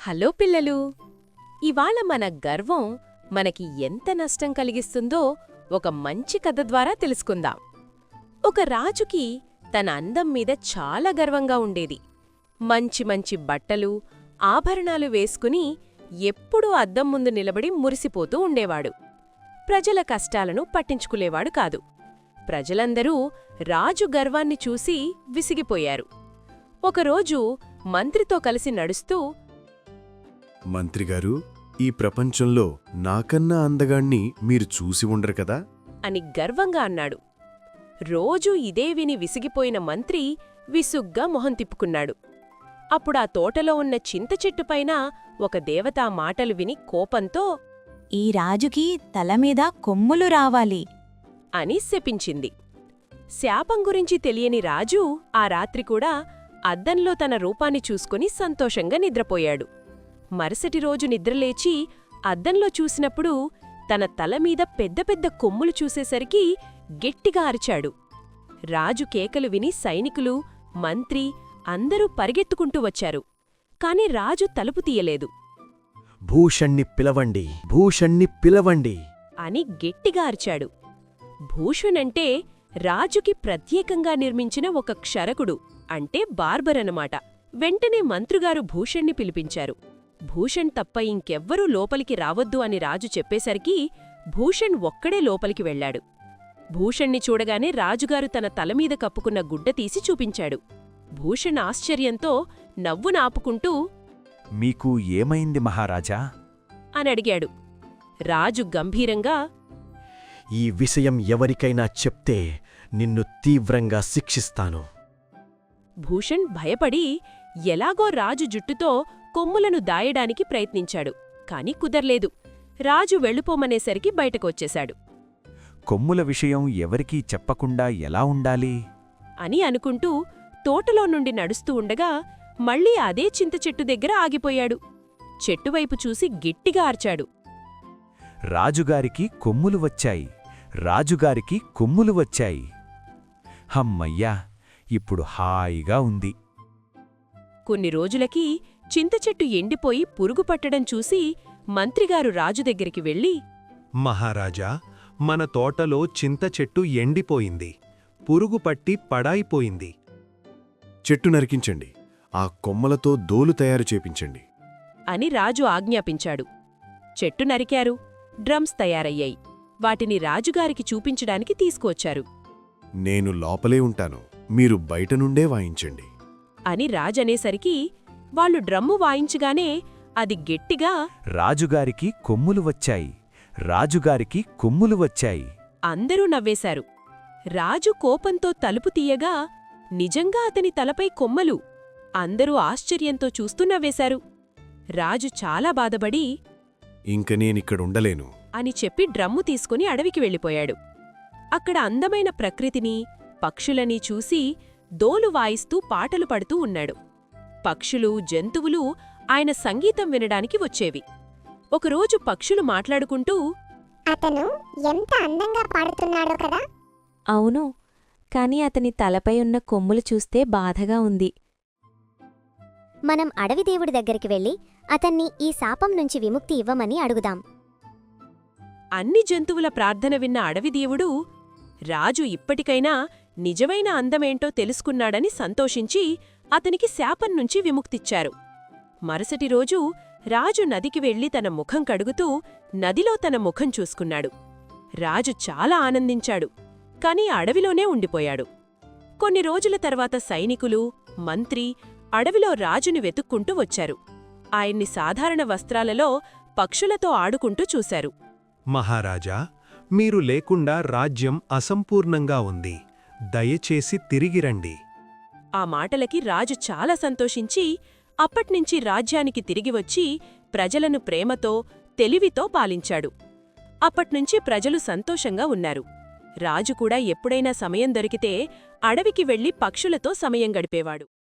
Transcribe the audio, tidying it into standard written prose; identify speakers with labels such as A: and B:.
A: Hello పిల్లలు! ఇవాళ మన గర్వం మనకి ఎంత నష్టం కలిగిస్తుందో ఒక మంచి కథ ద్వారా తెలుసుకుందాం. ఒక రాజుకి తన అందం మీద చాలా గర్వంగా ఉండేది. మంచి మంచి బట్టలు, ఆభరణాలు వేసుకుని ఎప్పుడూ అద్దం ముందు నిలబడి మురిసిపోతూ ఉండేవాడు. ప్రజల కష్టాలను పట్టించుకునేవాడు కాదు. ప్రజలందరూ రాజు గర్వాన్ని చూసి విసిగిపోయారు. ఒకరోజు మంత్రితో కలిసి నడుస్తూ,
B: మంత్రిగారు, ఈ ప్రపంచంలో నాకన్నా అందగాణ్ణి మీరు చూసి ఉండరు కదా
A: అని గర్వంగా అన్నాడు. రోజూ ఇదే విని విసిగిపోయిన మంత్రి విసుగ్గా మొహం తిప్పుకున్నాడు. అప్పుడా తోటలో ఉన్న చింతచెట్టుపైన ఒక దేవతా మాటలు విని కోపంతో,
C: ఈ రాజుకి తలమీద కొమ్ములు రావాలి
A: అని శపించింది. శాపం గురించి తెలియని రాజు ఆ రాత్రికూడా అద్దంలో తన రూపాన్ని చూసుకుని సంతోషంగా నిద్రపోయాడు. మరుసటి రోజు నిద్రలేచి అద్దంలో చూసినప్పుడు తన తలమీద పెద్ద పెద్ద కొమ్ములు చూసేసరికి గట్టిగా అరిచాడు. రాజు కేకలు విని సైనికులు, మంత్రి అందరూ పరిగెత్తుకుంటూ వచ్చారు. కాని రాజు తలుపు తీయలేదు.
D: భూషణ్ణి పిలవండి, భూషణ్ణి పిలవండి
A: అని గట్టిగా అరిచాడు. భూషణంటే రాజుకి ప్రత్యేకంగా నిర్మించిన ఒక క్షరకుడు, అంటే బార్బరనమాట. వెంటనే మంత్రుగారు భూషణ్ణి పిలిపించారు. భూషణ్ తప్ప ఇంకెవ్వరూ లోపలికి రావద్దు అని రాజు చెప్పేసరికి భూషణ్ ఒక్కడే లోపలికి వెళ్లాడు. భూషణ్ణి చూడగానే రాజుగారు తన తలమీద కప్పుకున్న గుడ్డ తీసి చూపించాడు. భూషణ్ ఆశ్చర్యంతో నవ్వునాపుకుంటూ,
D: మీకు ఏమైంది మహారాజా
A: అనడిగాడు. రాజు గంభీరంగా,
D: ఈ విషయం ఎవరికైనా చెప్తే నిన్ను తీవ్రంగా శిక్షిస్తాను.
A: భూషణ్ భయపడి ఎలాగో రాజు జుట్టుతో కొమ్ములను దాయడానికి ప్రయత్నించాడు. కాని కుదర్లేదు. రాజు వెళ్ళిపోమనేసరికి బయటకొచ్చేశాడు.
D: కొమ్ముల విషయం ఎవరికీ చెప్పకుండా ఎలా ఉండాలి
A: అని అనుకుంటూ తోటలో నుండి నడుస్తూ ఉండగా మళ్లీ అదే చింతచెట్టు దగ్గర ఆగిపోయాడు. చెట్టువైపు చూసి గట్టిగా అర్చాడు.
D: రాజుగారికి కొమ్ములు వచ్చాయి, రాజుగారికి కొమ్ములు వచ్చాయి. హమ్మయ్యా, ఇప్పుడు హాయిగా ఉంది.
A: కొన్ని రోజులకి చింతచెట్టు ఎండిపోయి పురుగు పట్టడం చూసి మంత్రిగారు రాజు దగ్గరికి వెళ్ళి,
E: మహారాజా, మన తోటలో చింతచెట్టు ఎండిపోయింది, పురుగు పట్టి పడాయిపోయింది.
B: చెట్టు నరికించండి, ఆ కొమ్మలతో దోలు తయారు చేపించండి
A: అని రాజు ఆజ్ఞాపించాడు. చెట్టు నరికారు. డ్రమ్స్ తయారయ్యాయి. వాటిని రాజుగారికి చూపించడానికి తీసుకువచ్చారు.
B: నేను లోపలే ఉంటాను, మీరు బయట నుండే వాయించండి
A: అని రాజనేసరికి వాళ్ళు డ్రమ్ము వాయించగానే అది గట్టిగా,
D: రాజుగారికి కొమ్ములు వచ్చాయి, రాజుగారికి కొమ్ములు వచ్చాయి.
A: అందరూ నవ్వేశారు. రాజు కోపంతో తలుపు తీయగా నిజంగా అతని తలపై కొమ్మలు. అందరూ ఆశ్చర్యంతో చూస్తూ నవ్వేశారు. రాజు చాలా బాధపడి,
B: ఇంక నేనిక్కడుండలేను
A: అని చెప్పి డ్రమ్ము తీసుకుని అడవికి వెళ్ళిపోయాడు. అక్కడ అందమైన ప్రకృతిని, పక్షులని చూసి దోలు వాయిస్తూ పాటలు పడుతూ ఉన్నాడు. పక్షులు, జంతువులు ఆయన సంగీతం వినడానికి వచ్చేవి. ఒకరోజు పక్షులు మాట్లాడుకుంటూ,
F: అతను ఎంత అందంగా పాడుతున్నాడో కదా.
C: అవును, కాని అతని తలపై ఉన్న కొమ్ములు చూస్తే బాధగా ఉంది.
F: మనం అడవి దేవుడి దగ్గరికి వెళ్ళి అతన్ని ఈ శాపం నుంచి విముక్తి ఇవ్వమని అడుగుదాం.
A: అన్ని జంతువుల ప్రార్థన విన్న అడవిదేవుడు రాజు ఇప్పటికైనా నిజమైన అందమేంటో తెలుసుకున్నాడని సంతోషించి అతనికి శాపం నుంచి విముక్తిచ్చారు. మరుసటి రోజు రాజు నదికి వెళ్లి తన ముఖం కడుగుతూ నదిలో తన ముఖం చూసుకున్నాడు. రాజు చాలా ఆనందించాడు. కాని అడవిలోనే ఉండిపోయాడు. కొన్ని రోజుల తర్వాత సైనికులు, మంత్రి అడవిలో రాజుని వెతుక్కుంటూ వచ్చారు. ఆయన్ని సాధారణ వస్త్రాలలో పక్షులతో ఆడుకుంటూ చూశారు.
E: మహారాజా, మీరు లేకుండా రాజ్యం అసంపూర్ణంగా ఉంది, దయచేసి తిరిగిరండి.
A: ఆ మాటలకి రాజు చాలా సంతోషించి అప్పట్నుంచి రాజ్యానికి తిరిగివచ్చి ప్రజలను ప్రేమతో, తెలివితో పాలించాడు. అప్పట్నుంచి ప్రజలు సంతోషంగా ఉన్నారు. రాజు కూడా ఎప్పుడైనా సమయం దొరికితే అడవికి వెళ్లి పక్షులతో సమయం గడిపేవాడు.